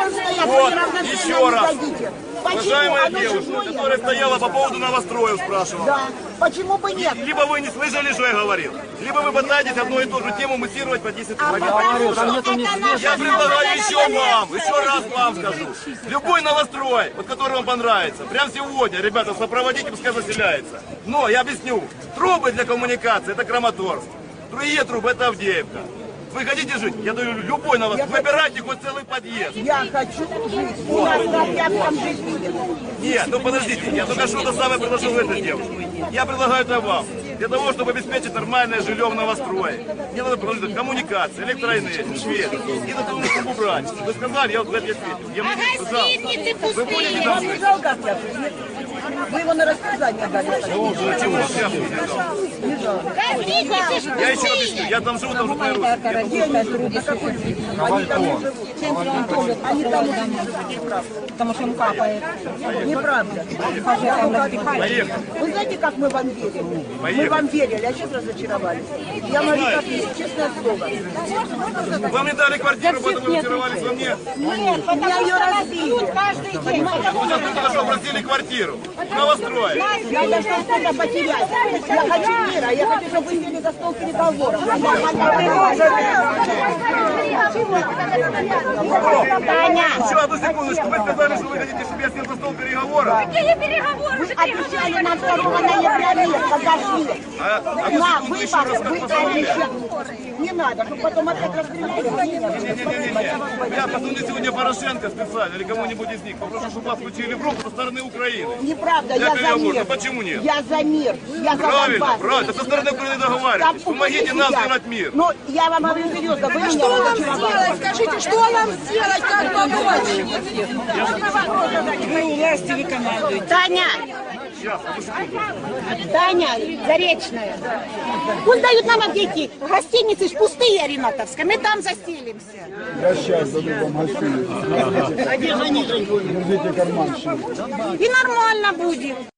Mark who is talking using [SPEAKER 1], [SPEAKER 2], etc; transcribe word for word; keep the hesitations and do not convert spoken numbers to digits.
[SPEAKER 1] должен стоять,
[SPEAKER 2] Вот,
[SPEAKER 1] вы неравноценно
[SPEAKER 2] еще
[SPEAKER 1] не
[SPEAKER 2] раз.
[SPEAKER 1] дадите. Почему?
[SPEAKER 2] Уважаемая
[SPEAKER 1] Оно
[SPEAKER 2] девушка,
[SPEAKER 1] чужое.
[SPEAKER 2] которая стояла по поводу новостроев, спрашивала.
[SPEAKER 1] Да. Почему бы нет?
[SPEAKER 2] Либо вы не слышали, что я говорил, либо вы пытаетесь одну и ту же тему муссировать по десять
[SPEAKER 1] А
[SPEAKER 2] минут.
[SPEAKER 1] потому что это наша
[SPEAKER 2] Я предлагаю еще
[SPEAKER 1] свобода.
[SPEAKER 2] вам, еще раз вам скажу. Любой новострой, вот который вам понравится, прямо сегодня, ребята, сопроводите, пускай заселяется. Но я объясню, трубы для коммуникации это Краматорск, другие трубы это Авдеевка. Вы хотите жить? Я даю любой новострой. Выбирайте хоть целый подъезд.
[SPEAKER 1] Я хочу жить. У нас как я там жить будет.
[SPEAKER 2] Нет, ну подождите, я только что-то самое предложил этой девушке. Я предлагаю это вам. Для того, чтобы обеспечить нормальное жилье в новострое, мне надо предложить коммуникации, электроэнергию, свет. И на того, чтобы убрать. Вы сказали, я вот в это ответил. Я
[SPEAKER 3] А гостиницы
[SPEAKER 2] Вы будете
[SPEAKER 3] пустые.
[SPEAKER 1] Вам не жалко общаться? Вы его на растерзание дали.
[SPEAKER 2] Почему сейчас не дал?
[SPEAKER 3] Гостиницы ж
[SPEAKER 2] Я еще объясню, я там живу, там живут мои родственники.
[SPEAKER 1] На какой жизни? Они там не живут. Они там уже не живут. Неправда.
[SPEAKER 4] Потому что он капает.
[SPEAKER 1] Неправда.
[SPEAKER 2] Поехали.
[SPEAKER 1] Вы знаете, как мы вам верили? Мы
[SPEAKER 2] Поехали.
[SPEAKER 1] вам верили, а сейчас разочаровались. Я говорю, как есть, честное слово.
[SPEAKER 2] Вам не дали квартиру, поэтому разочаровались во мне.
[SPEAKER 1] Нет, меня ее разбили.
[SPEAKER 3] каждый день.
[SPEAKER 2] Вы сейчас только что просили квартиру. В новострое.
[SPEAKER 1] Я должна что-то потерять. Я хочу мира, я хочу, чтобы вы сели за стол переговоров.
[SPEAKER 3] Таня,
[SPEAKER 2] Еще одну секундочку. Вы сказали, что вы хотите, чтобы я сел за стол переговоров.
[SPEAKER 3] какие переговоры?
[SPEAKER 1] Вы обещали нам второго ноября мир, подожди.
[SPEAKER 2] А, а
[SPEAKER 1] На
[SPEAKER 2] ну, еще раз,
[SPEAKER 1] выборы
[SPEAKER 2] как
[SPEAKER 1] вы
[SPEAKER 2] позволили.
[SPEAKER 1] обещали. Не надо, чтобы потом опять расстреляли.
[SPEAKER 2] Не-не-не, я позвоню сегодня Порошенко специально или кому-нибудь из них. Попрошу, чтобы вас включили в группу со стороны Украины.
[SPEAKER 1] Неправда,
[SPEAKER 2] Для
[SPEAKER 1] я за
[SPEAKER 2] переговоров.
[SPEAKER 1] мир.
[SPEAKER 2] Ну почему нет?
[SPEAKER 1] Я за мир. Я за
[SPEAKER 2] Правильно,
[SPEAKER 1] Донбасс.
[SPEAKER 2] правильно. Со стороны Украины договаривайтесь.
[SPEAKER 1] Там
[SPEAKER 2] Помогите нам
[SPEAKER 1] сидят.
[SPEAKER 2] сделать мир.
[SPEAKER 1] Ну, я вам говорю серьезно, вы меня
[SPEAKER 4] Что нам
[SPEAKER 1] разочаровали.
[SPEAKER 4] сделать? Скажите, что нам сделать, как помочь? Вы у власти, вы командуете.
[SPEAKER 3] Таня,
[SPEAKER 2] Сейчас, одну секунду.
[SPEAKER 3] Таня, Заречная. Пусть дают нам объяснить. Гостиницы ж пустые, Ринатовская. Мы там заселимся.
[SPEAKER 5] Я сейчас даю вам гостиницу. Держите карман.
[SPEAKER 3] И нормально будет.